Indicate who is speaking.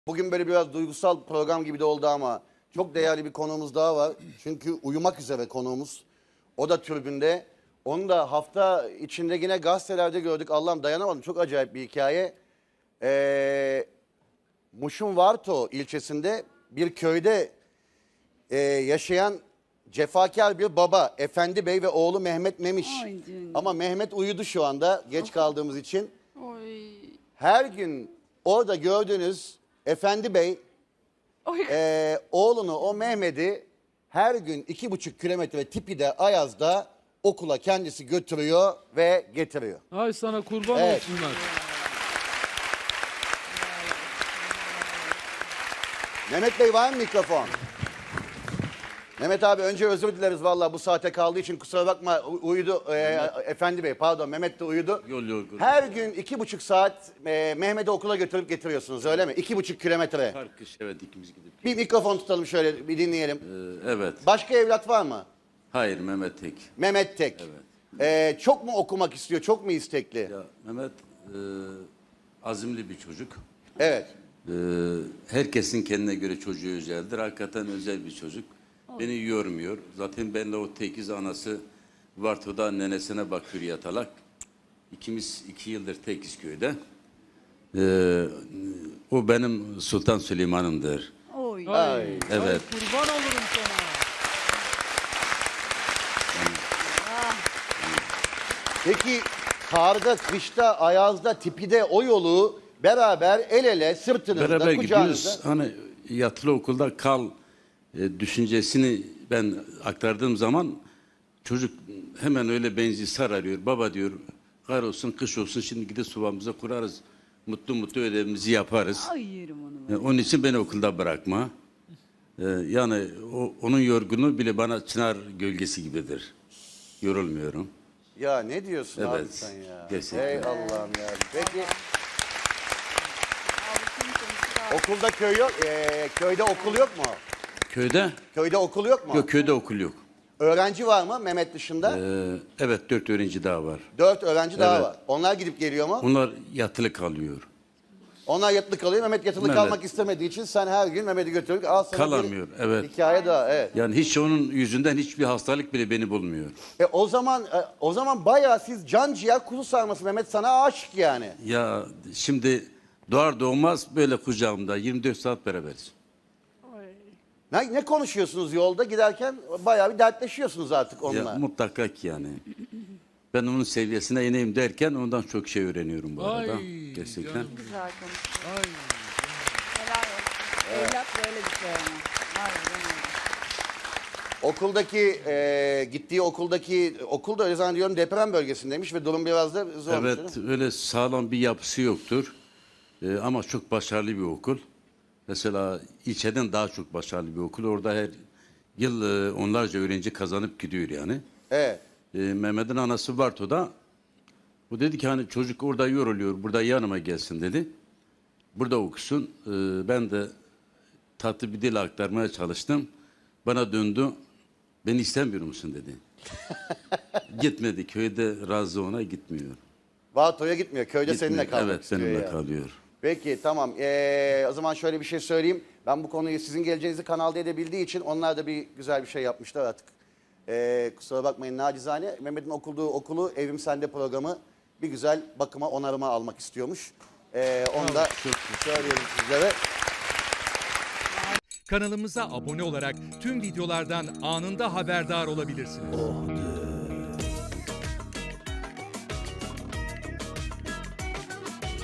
Speaker 1: Bugün böyle biraz duygusal program gibi de oldu ama çok değerli bir konuğumuz daha var. Çünkü uyumak üzere konuğumuz. O da tribünde. Onu da hafta içinde yine gazetelerde gördük. Allah'ım dayanamadım. Çok acayip bir hikaye. Muş'un Varto ilçesinde bir köyde yaşayan cefakar bir baba. Efendi Bey ve oğlu Mehmet Memiş.
Speaker 2: Ay canım.
Speaker 1: Ama Mehmet uyudu şu anda geç kaldığımız için.
Speaker 2: Oy.
Speaker 1: Her gün orada gördüğünüz Efendi Bey
Speaker 2: Oy.
Speaker 1: oğlunu o Mehmet'i her gün 2,5 kilometre Tipi'de Ayaz'da okula kendisi götürüyor ve getiriyor.
Speaker 3: Ay sana kurban
Speaker 1: Evet.
Speaker 3: olsunlar.
Speaker 1: Mehmet Bey var mı mikrofon? Mehmet abi önce özür dileriz vallahi bu saate kaldığı için kusura bakma uyudu. Efendi Bey pardon Mehmet de uyudu.
Speaker 3: Yok.
Speaker 1: Her gün 2,5 saat Mehmet'i okula götürüp getiriyorsunuz öyle mi? 2,5 kilometre.
Speaker 3: Her kış evet ikimiz gidip.
Speaker 1: Bir mikrofon tutalım şöyle bir dinleyelim.
Speaker 3: Evet.
Speaker 1: Başka evlat var mı?
Speaker 3: Hayır Mehmet tek.
Speaker 1: Mehmet tek. Çok mu okumak istiyor? Çok mu istekli?
Speaker 3: Ya Mehmet azimli bir çocuk.
Speaker 1: Evet.
Speaker 3: Herkesin kendine göre çocuğu özeldir. Hakikaten özel bir çocuk. Beni yormuyor. Zaten benle o tekiz anası Varto'da nenesine bakıyor yatalak. İkimiz 2 yıldır tekiz köyde. O benim Sultan Süleyman'ımdır.
Speaker 2: Oy.
Speaker 1: Ay.
Speaker 3: Evet.
Speaker 4: Ay kurban olurum sana.
Speaker 1: Peki karda, kışta, ayazda, tipide o yolu beraber el ele sırtınızda,
Speaker 3: Beraber
Speaker 1: kucağınızda.
Speaker 3: gidiyoruz. Hani yatılı okulda kal düşüncesini ben aktardığım zaman çocuk hemen öyle benzi sararıyor. Baba diyor kar olsun kış olsun şimdi gidip sobamıza kurarız. Mutlu mutlu ödevimizi yaparız.
Speaker 2: Ay yerim onu.
Speaker 3: Onun için beni okulda bırakma. Yani onun yorgunluğu bile bana çınar gölgesi gibidir. Yorulmuyorum.
Speaker 1: Ya ne diyorsun abi
Speaker 3: Evet,
Speaker 1: sen ya?
Speaker 3: gerçekten.
Speaker 1: Ey Allah'ım ya. Peki okulda köy yok, köyde okul yok mu?
Speaker 3: Köyde?
Speaker 1: Köyde okul yok mu?
Speaker 3: Yok köyde okul yok.
Speaker 1: Öğrenci var mı Mehmet dışında?
Speaker 3: Evet 4 öğrenci daha var.
Speaker 1: 4 öğrenci daha
Speaker 3: Evet.
Speaker 1: var. Onlar gidip geliyor mu?
Speaker 3: Onlar yatılı kalıyor.
Speaker 1: Onlar yatılı kalıyor. Mehmet yatılı
Speaker 3: Mehmet.
Speaker 1: kalmak istemediği için sen her gün Mehmet'i götürüp al sana
Speaker 3: Kalamıyor,
Speaker 1: bir
Speaker 3: evet.
Speaker 1: hikaye daha. Evet.
Speaker 3: Yani hiç onun yüzünden hiçbir hastalık bile beni bulmuyor.
Speaker 1: O zaman bayağı siz can ciğer kuzu sarması Mehmet sana aşık yani.
Speaker 3: Ya şimdi doğar doğmaz böyle kucağımda 24 saat beraberiz.
Speaker 1: Ne konuşuyorsunuz yolda giderken bayağı bir dertleşiyorsunuz artık onunla.
Speaker 3: Ya, mutlaka ki yani. Ben onun seviyesine ineyim derken ondan çok şey öğreniyorum bu arada.
Speaker 4: Ay,
Speaker 3: Gerçekten.
Speaker 4: canım.
Speaker 2: Güzel konuştun.
Speaker 4: Ay.
Speaker 2: Helal olsun. Evlat böyle bir şey ama. Harbiden öyle.
Speaker 1: Okuldaki gittiği okul da öyle zannediyorum deprem bölgesindeymiş ve durum biraz da zormuş.
Speaker 3: Evet öyle sağlam bir yapısı yoktur. Ama çok başarılı bir okul. Mesela ilçeden daha çok başarılı bir okul. Orada her yıl onlarca öğrenci kazanıp gidiyor yani.
Speaker 1: Evet.
Speaker 3: Mehmet'in anası Varto'da. O dedi ki hani çocuk orada yoruluyor, burada yanıma gelsin dedi. Burada okusun. Ben de tatlı bir dil aktarmaya çalıştım. Bana döndü. Beni istemiyor musun dedi. Gitmedi. Köyde razı ona gitmiyor.
Speaker 1: Vato'ya gitmiyor. Köyde seninle
Speaker 3: Gitmiyor.
Speaker 1: kalmak
Speaker 3: Evet
Speaker 1: istiyor
Speaker 3: benimle
Speaker 1: yani.
Speaker 3: kalıyor.
Speaker 1: Peki tamam. O zaman şöyle bir şey söyleyeyim. Ben bu konuyu sizin geleceğinizi kanalda edebildiği için onlar da bir güzel bir şey yapmışlar artık. Kusura bakmayın nacizane. Mehmet'in okuduğu okulu Evim Sende programı bir güzel bakıma onarıma almak istiyormuş. Onu da söylüyorum sizlere.
Speaker 5: Kanalımıza abone olarak tüm videolardan anında haberdar olabilirsiniz.